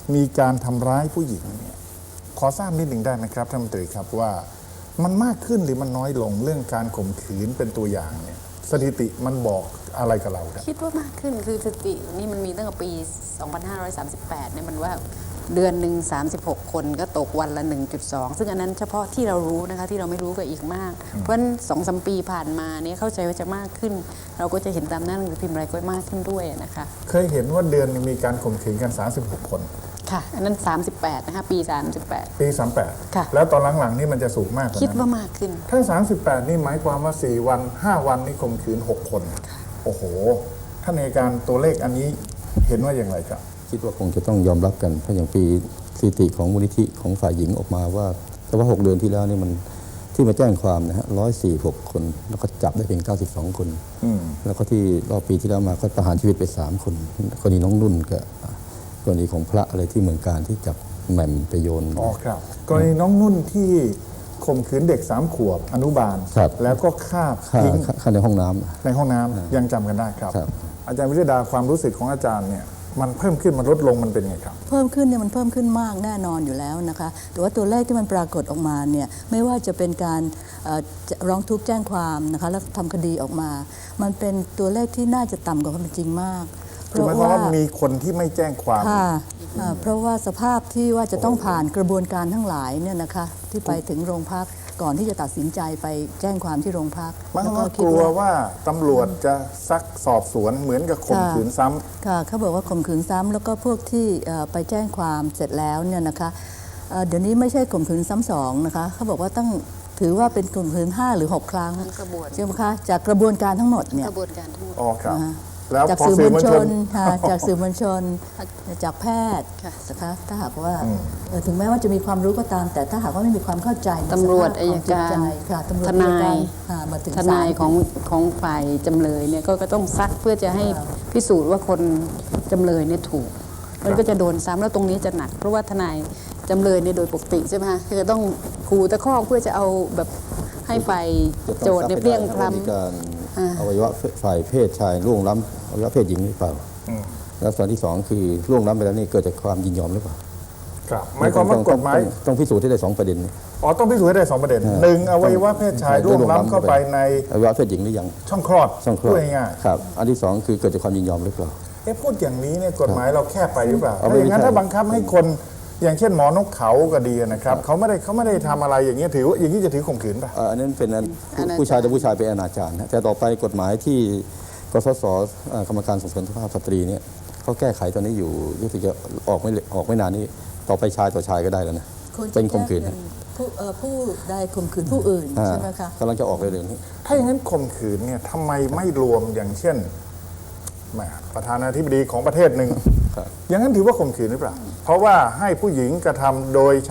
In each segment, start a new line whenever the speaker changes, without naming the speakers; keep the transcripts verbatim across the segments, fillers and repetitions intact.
มีการทำร้ายผู้หญิงเนี่ยขอทราบนิดหนึ่งได้ไหมครับท่านมนตรีครับว่ามันมากขึ้นหรือมันน้อยลงเรื่องการข่มขืนเป็นตัวอย่างเนี่ยสถิติมันบอกอะไรกับเราครับ
คิดว่ามากขึ้นคือสถิตินี่มันมีตั้งแต่ปี สองพันห้าร้อยสามสิบแปด เนี่ยมันว่าเดือนหนึ่งสามสิบหก คนก็ตกวันละ หนึ่งจุดสอง ซึ่งอันนั้นเฉพาะที่เรารู้นะคะที่เราไม่รู้ก็อีกมาก เพราะฉะนั้นสองสามปีผ่านมาเนี่ยเข้าใจว่าจะมากขึ้น เราก็จะเห็นตามหน้าหนังสือพิมพ์อะไรก็มากขึ้นด้วยนะคะ
เคยเห็นว่าเดือนนึงมีการข่มขืนกันสามสิบหกคน
ค่ะอันนั้นสามสิบแปดนะคะปีสามสิบแปด
ปีสามสิบแปด
ค่ะ
แล้วตอนหลังๆนี่มันจะสูงมากกว่านั้น
คิดว่ามากขึ้น
ถ้าสามสิบแปดนี่หมายความว่าสี่วันห้าวันนี่ข่มขืนหกคนโอ้โหท่านในการตัวเลขอันนี้เห็นว่าอย่างไรครับ
คิดว่าคงจะต้องยอมรับกันเพราะอย่างปีสถิติของมูลนิธิของฝ่ายหญิงออกมาว่าแต่ว่าหกเดือนที่แล้วนี่มันที่มาแจ้งความนะฮะร้อยสี่หกคนแล้วก็จับได้เพียงเก้าสิบสองคนแล้วก็ที่รอบปีที่แล้วมาก็ประหารชีวิตไปสามคนกรณีน้องนุ่นกับกรณีของพระอะไรที่เมืองการที่จับแหม่มไปโยน
อ๋อครับกรณีน้องนุ่นที่ข่มขืนเด็กสามขวบอนุบาลแล้วก็ฆ่าทิ้ง
ในห้องน้ำ
ในห้องน้ำยังจำกันได้ครับอาจารย์วิทยาดาความรู้สึกของอาจารย์เนี่ยมันเพิ่มขึ้นมันลดลงมันเป็นไงครับ
เพิ่มขึ้นเนี่ยมันเพิ่มขึ้นมากแน่นอนอยู่แล้วนะคะแต่ว่าตัวเลขที่มันปรากฏออกมาเนี่ยไม่ว่าจะเป็นการร้องทุกข์แจ้งความนะคะแล้วทำคดีออกมามันเป็นตัวเลขที่น่าจะต่ำกว่าความเป็นจริงมาก
เพราะว่ามีคนที่ไม่แจ้งความ
ค่ะเพราะว่าสภาพที่ว่าจะต้องผ่านกระบวนการทั้งหลายเนี่ยนะคะที่ไปถึงโรงพักก่อนที่จะตัดสินใจไปแจ้งความที่โรงพัก
มันก็กลัวว่าตำรวจจะซักสอบสวนเหมือนกับข่มขืนซ้ำ
ค่ะเขาบอกว่าข่มขืนซ้ำแล้วก็พวกที่ไปแจ้งความเสร็จแล้วเนี่ยนะคะเดี๋ยวนี้ไม่ใช่ข่มขืนซ้ำสองนะคะเขาบอกว่าต้องถือว่าเป็นข่มขืนห้าหรือหกครั้งใช่ไหมคะจากกระบวนการทั้งหมดเนี่ย
กระบวนการทั้งหมด
อ๋อครับ
จากสื่อมวลชนจากสื่อมวลชนจากแพทย์นะคะถ้าหากว่าถึงแม้ว่าจะมีความรู้ก็ตามแต่ถ้าหากว่าไม่มีความเข้าใจ
ตำรวจอัยการทนายทนายของของฝ่ายจำเลยเนี่ยก็ต้องซักเพื่อจะให้พิสูจน์ว่าคนจำเลยเนี่ยถูกมันก็จะโดนซ้ำแล้วตรงนี้จะหนักเพราะว่าทนายจำเลยเนี่ยโดยปกติใช่ไหมคะคือจะต้องขู่ตะคอกเพื่อจะเอาแบบให้ฝ่ายโจทย์เนี่ยเปรี้ยงพล้ำ
อวัยวะฝ่ายเพศชายล่วงล้ำอวัยวะเพศหญิงหรือเปล่าแล้วส่วนที่สองคือล่วงล้ำไปแล้วนี่เกิดจากความยินยอมหรือเปล่า
ครับหมายความว่ากฎหมาย
ต้องพิสูจน์ให้ได้สองประเด็น
อ๋อต้องพิสูจน์ให้ได้สองประเด็นหนึ่งอวัยวะเพศชายล่วงล้ำเข้าไปใน
อวัยวะเพศหญิงหรือยัง
ช่องคลอด
ช่องคลอดง่ายครับอันที่สองคือเกิดจากความยินยอมหรือเปล่า
เอ๊ะพูดอย่างนี้เนี่ยกฎหมายเราแค่ไปหรือเปล่าถ้าอย่างนั้นถ้าบังคับให้คนอย่างเช่นหมอนกเขาก็ดีนะครับเขาไม่ได้เขาไม่ได้ทำอะไรอย่างเงี้ยถือว่าอย่างนี้จะถือข่มขืนป่ะ
อันนั้นเป็นผู้ชายแต่ผู้ชายเป็นอนาจารแต่ต่อไปกฎหมายที่กสศกรรมการส่งเสริมสุขภาพสตรีเนี่ยเขาแก้ไขตอนนี้อยู่รู้สึกจะออกไม่ออกไม่นานนี้ต่อไปชายต่อชายก็ได้แล้วนะเป็นข่มขืน
ผู้ผู้ได้ข่มขืนผู้อื่นใช่ไหมคะ
กำลังจะออกเร็วๆนี้
ถ้าอย่างนั้นข่มขืนเนี่ยทำไมไม่รวมอย่างเช่นประธานาธิบดีของประเทศหนึ่งอย่างนั้นถือว่าข่มขืนหรือเปล่าเพราะว่าให้ผู้หญิงกระทำโดยใช้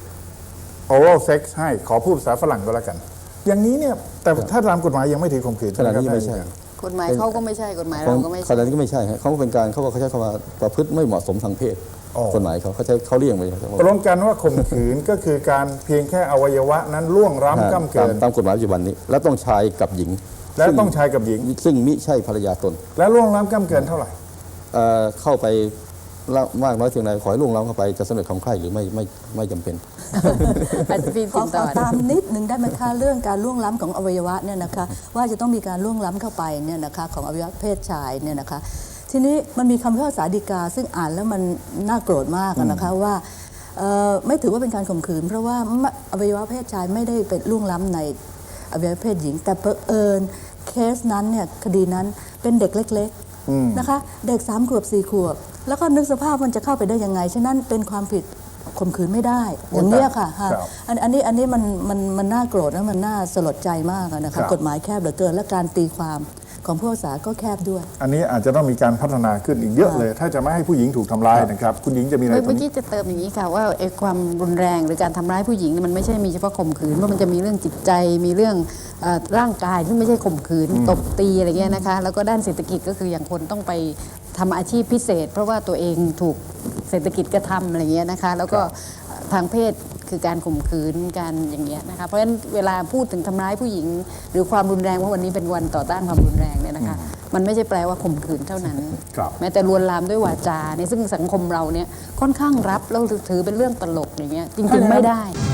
oral sex ให้ขอพูดภาษาฝรั่งก็แล้วกันอย่างนี้เนี่ยแต่ถ้าตามกฎหมายยังไม่ถือข่มขืน
ขนาดนี้ไม่ใช่
กฎหมายเขาก็ไม่ใช่กฎหมายเราก็ไม่ใช่
ขนาดนี้ก็ไม่ใช่เขาเป็นการเขาเขาใช้คำว่าประพฤติไม่เหมาะสมทางเพศกฎหมายเขาเขาใช้เขาเรียกไป
ตกลงกันว่าข่มขืนก็คือการเพียงแค่อวัยวะนั้นล่วงล้ำก้ำเกิน
ตามกฎหมายปัจจุบันนี้แล้วต้องชายกับหญิง
แล้วต้องชายกับหญิง
ซึ่งมิใช่ภรรยาตน
แล้วล่วงล้ำก้ำเกินเท่าไหร่
เข้าไปมากน้อยเพียงใดขอให้ล่วงล้ำเข้าไปจะสำเร็จความใคร่หรือไม่ไม่ไม่จำเป็น
ขอตามนิดนึงได้ไหมคะเรื่องการล่วงล้ำของอวัยวะเนี่ยนะคะว่าจะต้องมีการล่วงล้ำเข้าไปเนี่ยนะคะของอวัยวะเพศชายเนี่ยนะคะทีนี้มันมีคำพิพากษาฎีกาซึ่งอ่านแล้วมันน่าโกรธมากนะคะว่าไม่ถือว่าเป็นการข่มขืนเพราะว่าอวัยวะเพศชายไม่ได้เป็นล่วงล้ำในอวัยวะเพศหญิงแต่เผอิญเคสนั้นเนี่ยคดีนั้นเป็นเด็กเล็กๆนะคะเด็กสามขวบสี่ขวบแล้วก็นึกสภาพมันจะเข้าไปได้ยังไงฉะนั้นเป็นความผิดข่มขืนไม่ได้อย่างนี้ค่ะอันนี้อันนี้มันมันมันน่าโกรธและมันน่าสลดใจมากนะคะกฎหมายแคบเหลือเกินและการตีความของผู้พิพากษาก็แคบด้วย
อันนี้อาจจะต้องมีการพัฒนาขึ้นอีกเยอะเลยถ้าจะไม่ให้ผู้หญิงถูกทำร้ายนะครับคุณหญิงจะมีอะไร
เมื่อกี้จะเติมอย่างนี้ค่ะว่าไอ้ความรุนแรงหรือการทำร้ายผู้หญิงมันไม่ใช่มีเฉพาะข่มขืนเพราะมันจะมีเรื่องจิตใจมีเรื่องร่างกายที่ไม่ใช่ข่มขืนตบตีอะไรเงี้ยนะคะแล้วก็ด้านเศรษฐกิจก็คืออย่างคนต้องไปทำอาชีพพิเศษเพราะว่าตัวเองถูกเศรษฐกิจกระทำอะไรเงี้ยนะคะแล้วก็ทางเพศคือการข่มขืนการอย่างเงี้ยนะคะเพราะฉะนั้นเวลาพูดถึงทำร้ายผู้หญิงหรือความรุนแรงว่าวันนี้เป็นวันต่อต้านความรุนแรงเนี่ยนะคะมันไม่ใช่แปลว่าข่มขืนเท่านั้น
ครับ
แม้แต่ลวนลามด้วยวาจาเนี่ยซึ่งสังคมเราเนี่ยค่อนข้างรับแล้วถือเป็นเรื่องตลกอย่างเงี้ยจริงๆไม่ได้